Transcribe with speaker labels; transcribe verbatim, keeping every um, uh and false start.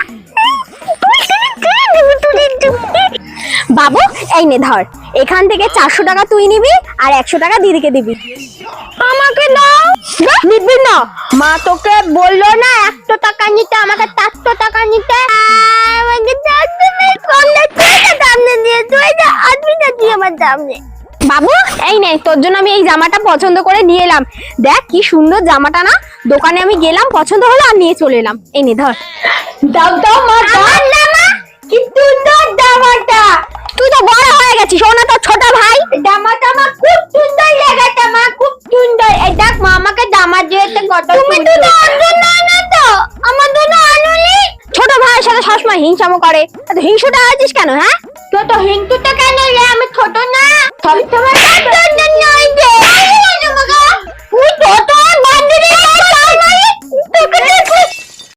Speaker 1: বাবু এই নে ধর, এখান থেকে চারশো টাকা তুই নিবি আর একশো টাকা দিদিকে দিবি। আমাকে দাও। নিবি না? মা তোকে বললো না একশো টাকা নিতে, আমাকে চারশো টাকা নিতে। আমাকে সামনে দিয়ে তুই যা আসবি না তুই আমার সামনে। বাবু এই নে, তোর জন্য আমি এই জামাটা পছন্দ করে নিয়ে এলাম। দেখ কি সুন্দর জামাটা না, দোকানে আমি গেলাম, পছন্দ হলো আর নিয়ে চলে এলাম। এই নে ধর। দাও দাও মা, দাও না মা, কি সুন্দর জামাটা। তুই তো বড় হয়ে গেছিস, ও না তো ছোট ভাই। জামাটা আমার খুব সুন্দর লেগেছে মা, খুব সুন্দর। এই দেখ মা আমাকে জামা দিয়েছে কত। তুমি তো ওর জন্য আনো তো, আমার জন্য আনোনি। ছোট ভাইয়ের সাথে সবসময় হিংসামো করে, এত হিংসুটা আছিস কেন? হ্যাঁ তো তো হিংসুটা কেন রে? আমি ছোট না, সব তোমার জন্য নয় যে তুই ছোট